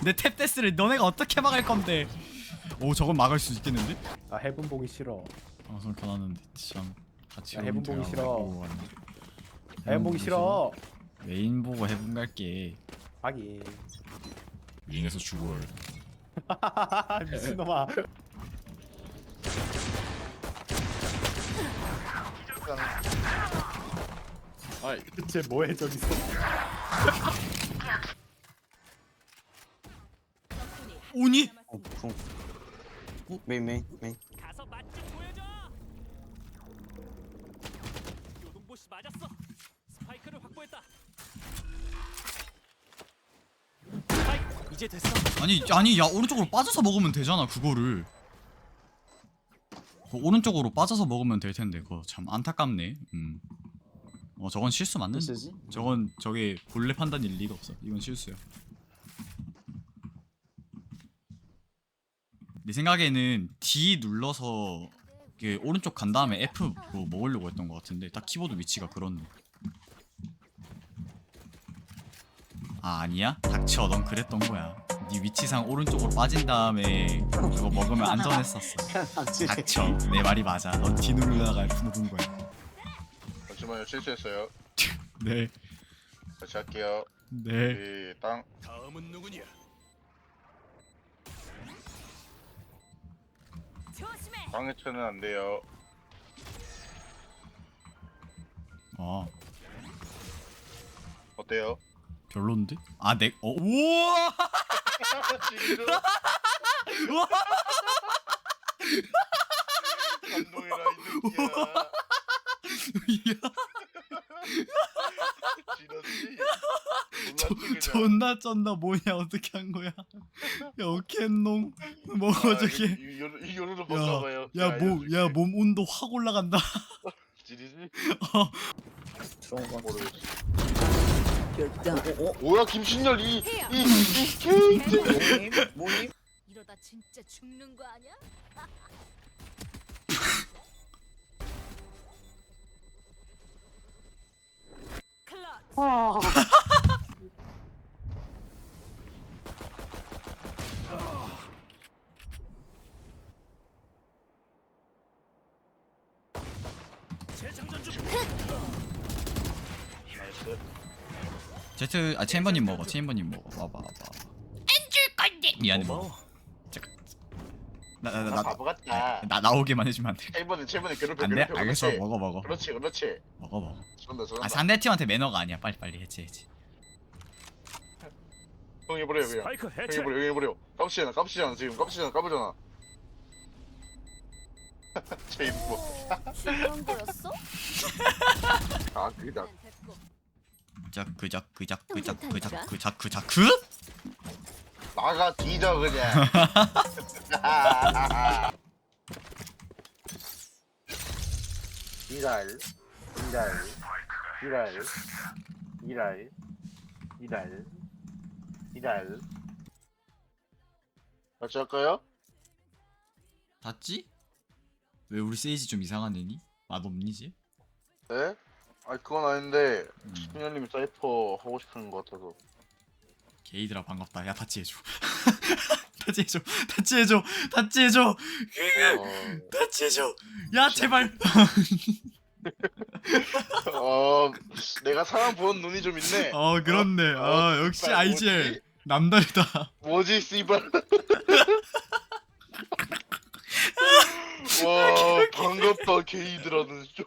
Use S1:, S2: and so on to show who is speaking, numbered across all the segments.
S1: 내 탭데스를 너네가 어떻게 막을 건데? 오 저건 막을 수 있겠는데?
S2: 나 해본 보기 싫어.
S1: 방송 켜놨는데 참 같이
S2: 야, 해본 보기 싫어.
S1: 보고 왔네.
S2: 해본 보기 싫어.
S1: 메인 보고 해본 갈게.
S2: 하긴.
S1: 윙에서 죽어.
S2: 미친놈아.
S3: 아이
S2: 대체 뭐해 저기서.
S1: 오니?
S4: 메인.
S5: 가서 맛좀 보여줘. 요동보씨 맞았어. 스파이크를 확보했다. 스파이크 이제 됐어.
S1: 아니 야 오른쪽으로 빠져서 먹으면 되잖아 그거를. 오른쪽으로 빠져서 먹으면 될 텐데 그거 참 안타깝네. 저건 실수 맞는데.
S4: 쓰지?
S1: 저건 저게 본래 판단일 리가 없어. 이건 실수야. 내 생각에는 D 눌러서 이게 오른쪽 간 다음에 F로 먹으려고 했던 것 같은데 딱 키보드 위치가 그렇네. 아 아니야? 닥쳐 넌 그랬던 거야. 네 위치상 오른쪽으로 빠진 다음에 그거 먹으면 안전했었어. 닥쳐 내 말이 맞아. 넌 D 누르다가 F 누른 거야.
S3: 잠시만요 실수했어요.
S1: 네.
S3: 다시 할게요.
S1: 네.
S3: 땅.
S5: 다음은 누구냐? 조심해.
S3: 땅에 쳐는 안 돼요.
S1: 아
S3: 어때요?
S1: 별론데? 아 우와!
S3: 지금
S1: 우와!
S3: 감동이라 이 새끼야. 지렸지?
S1: 존나 쩐다 뭐냐 어떻게 한 거야? 야 어켄농 먹어 저게.
S3: 이 요로로 먹어봐요.
S1: 야몸 온도 확 올라간다.
S3: 지리지?
S4: 들어온 거
S3: 모르겠어.
S4: 같아.
S3: 뭐야 김신열 이 케이트.
S4: 뭐임?
S6: 이러다 진짜 죽는 거 아니야?
S5: 클럿. 재장전 중.
S3: 나이스.
S1: 제트 챔버님 먹어. 챔버님 먹어. 와봐. 안줄 건데. 미안해 먹어.
S5: 고마워.
S3: 나 바보 같다.
S1: 나 나오게만 해주면 안 돼.
S3: 1번에 괴롭혀.
S1: 안 돼?
S3: 괴롭혀.
S1: 알겠어.
S3: 그렇지.
S1: 먹어.
S3: 그렇지.
S1: 먹어.
S3: 저런다.
S1: 아 상대팀한테 매너가 아니야. 빨리 해치.
S3: 형 해버려 그냥.
S5: 스파이크
S3: 형
S5: 해체.
S3: 해버려. 깝치잖아 지금. 까부잖아. 제일 뭐.
S6: 중요한 거였어?
S3: 아 그다.
S6: 됐고.
S1: 그?
S3: 나가 뒤져 그냥. 이랄. 같이 할까요?
S1: 닿지? 왜 우리 세이지 좀 이상한 애니? 맛없니지?
S3: 네? 아 그건 아닌데 신현님이 사이퍼 하고 싶은 것 같아서.
S1: 게이들아 반갑다. 야 닿지 해줘. 닿지 해줘. 닿지 해줘. 야 제발.
S3: 내가 사람 보는 눈이 좀 있네.
S1: 그렇네. 역시
S3: 씨발,
S1: IGL 남다르다.
S3: 뭐지 씨발. 와 반갑다 게이들하는 좀.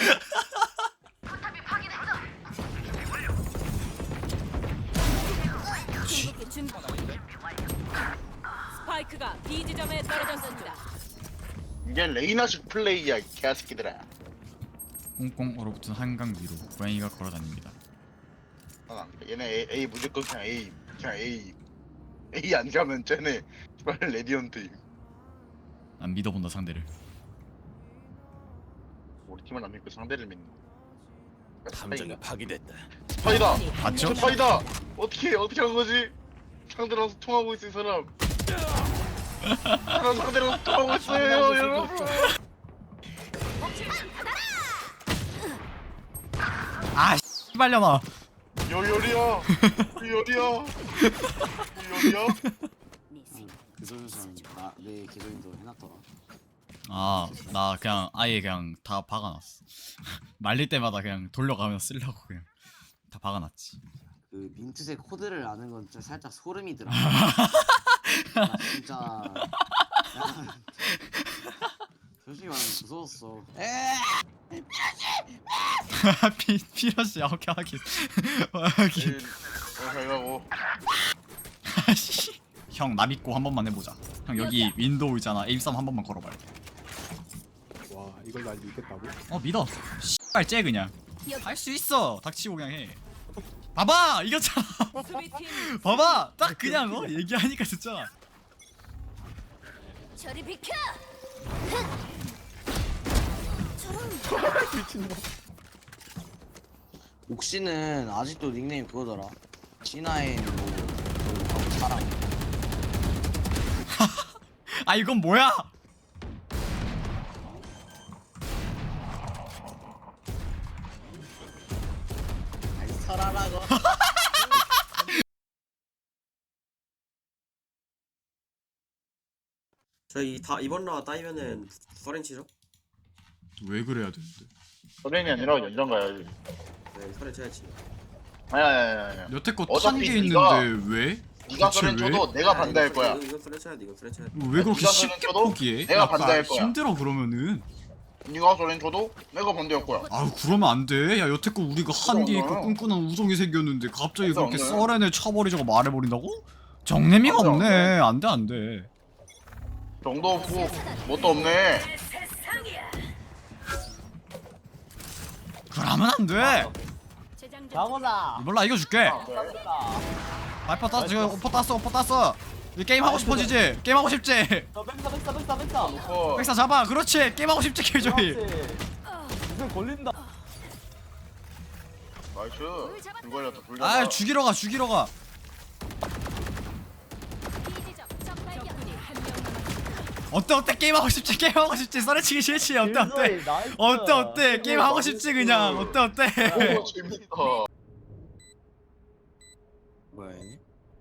S6: 궁극기 준비. 스파이크가 B 지점에 떨어졌습니다.
S3: 이게 레이나식 플레이야 이 개새끼들아.
S1: 꽁꽁 얼어붙은 한강 위로 고양이가 걸어다닙니다.
S3: 안 그래. 얘네 A 무조건 그냥 A 안 가면 쟤네 씨발 레디언트.
S1: 난 믿어본다 상대를.
S3: 우리 팀을 안 믿고 상대를 믿는.
S5: 함정이 파괴됐다.
S3: 스파이다.
S1: 맞죠?
S3: 스파이다. 어떻게 한 거지? 상대랑 소통하고 있을 사람. 나랑 상대랑 소통하고 있어요 여러분.
S1: 아 씨발려나.
S3: 요리야. 요리야. 요리야.
S7: 그 선수는 내 계정도 해놨더라.
S1: 아 나 그냥 아예 그냥 다 박아놨어. 말릴 때마다 그냥 돌려가면 쓰려고 그냥 다 박아놨지.
S7: 그 민트색 코드를 아는 건 진짜 살짝 소름이더라. 나 진짜 약간 솔직히 말하면 무서웠어.
S1: 피러시 오케이 하긴.
S3: 잘 가고.
S1: 형 나 믿고 한 번만 해보자. 형 여기 윈도우 있잖아. 에임 썸 한 번만 걸어봐.
S2: 와 이걸 날 믿겠다고?
S1: 믿어. 씨발 째 그냥. 할 수 있어. 닥치고 그냥 해. 봐봐 이겼잖아.
S6: 수비팀
S1: 봐봐 딱 그냥 얘기하니까 진짜.
S6: 저리 비켜.
S2: 미친놈.
S7: 옥시는 아직도 닉네임 그거더라. 진아의 뭐 사랑.
S1: 아 이건 뭐야?
S7: 아니 설아라고.
S8: 저희 다 이번 라운드 따이면은 서렌치죠?
S1: 왜 그래야 되는데?
S3: 서렌이 아니라 연장 가야지.
S8: 네, 서렌 쳐야지.
S3: 아니야.
S1: 여태껏
S3: 어차피
S1: 탄게
S3: 네가-
S1: 있는데 왜?
S3: 네가
S1: 대체
S3: 서렌
S1: 왜?
S3: 쳐도 내가 반대할 거야.
S8: 이건 서렌 쳐야 돼. 이건 서렌 쳐야 돼.
S1: 왜 그렇게
S3: 네가
S1: 쉽게
S3: 서렌 쳐도
S1: 포기해?
S3: 내가
S1: 약간
S3: 반대할 거야.
S1: 힘들어 그러면은.
S3: 네가 서렌 쳐도 내가 반대할 거야.
S1: 아유 그러면 안 돼. 야 여태껏 우리가 한게 있고
S3: 그러잖아.
S1: 끈끈한 우정이 생겼는데 갑자기
S3: 그래서
S1: 그렇게
S3: 안 돼.
S1: 썰렌을 쳐버리자고 말해버린다고? 정내미가
S3: 안 돼,
S1: 없네.
S3: 안
S1: 안 돼 안 돼.
S3: 정도 없고 뭣도 없네.
S1: 그러면 안 돼.
S6: 재장전.
S2: 장원아.
S1: 몰라 이겨줄게. 발퍼 땄어 지금 오퍼 땄어. 이 게임 하고 싶어지지? 게임 하고 싶지?
S3: 어,
S1: 백사 잡아. 그렇지. 게임 하고 싶지 킬조이.
S2: 무슨 걸린다.
S3: 나이스. 불 걸렸다. 불
S1: 아
S3: 걸렸다.
S1: 죽이러 가.
S6: 비지점 적 발견. 적군이 한명 남았습니다.
S1: 어때 게임 하고 싶지 썰어치기 싫지 어때 게임 하고 싶지 그냥 어때
S3: 오 재밌다.
S7: 뭐야 얘네?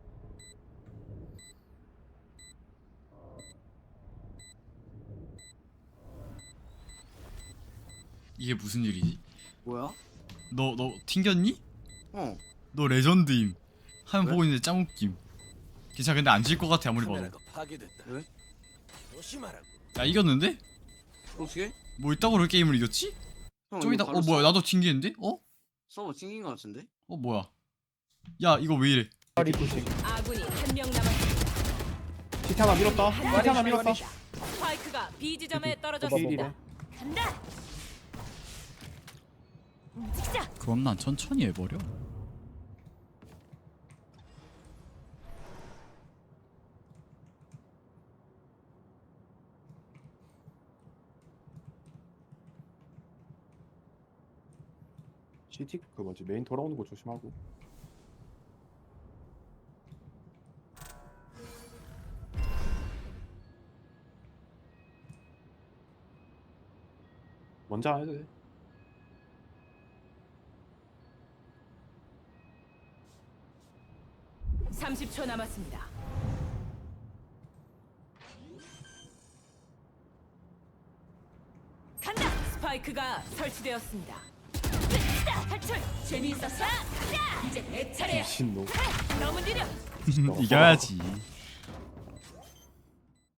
S1: 이게 무슨 일이지?
S7: 뭐야?
S1: 너 튕겼니?
S7: 어.
S1: 너 레전드임 하면
S7: 왜?
S1: 보고 있는데 짱 웃김. 괜찮아 근데 안 질 것 같아 아무리 봐도.
S5: 카메라가 파괴됐다.
S7: 왜?
S5: 조심하라고.
S1: 야 이겼는데?
S7: 어떻게?
S1: 뭐 있다고 그렇게 게임을 이겼지?
S7: 형,
S1: 좀 이따
S7: 이거 바로
S1: 뭐야 나도 튕기는데?
S7: 서버 튕긴 거 같은데?
S1: 뭐야 야 이거 왜 이래?
S2: 리프팅.
S6: 아군이 한명 남았습니다.
S2: 시트 하나 밀었다. 시트 하나 밀었다.
S6: 스파이크가 B 지점에
S2: 오케이,
S6: 떨어졌습니다. 간다. 움직이자.
S1: 그럼 난 천천히 해버려.
S2: 시티 그 뭐지 메인 돌아오는 거 조심하고. 먼저 안 해도 돼.
S6: 삼십 초 남았습니다. 간다. 스파이크가 설치되었습니다. 탈출. 재미있었어. 가자. 이제 내 차례야.
S2: 미친놈.
S6: 너무 느려.
S1: 이겨야지.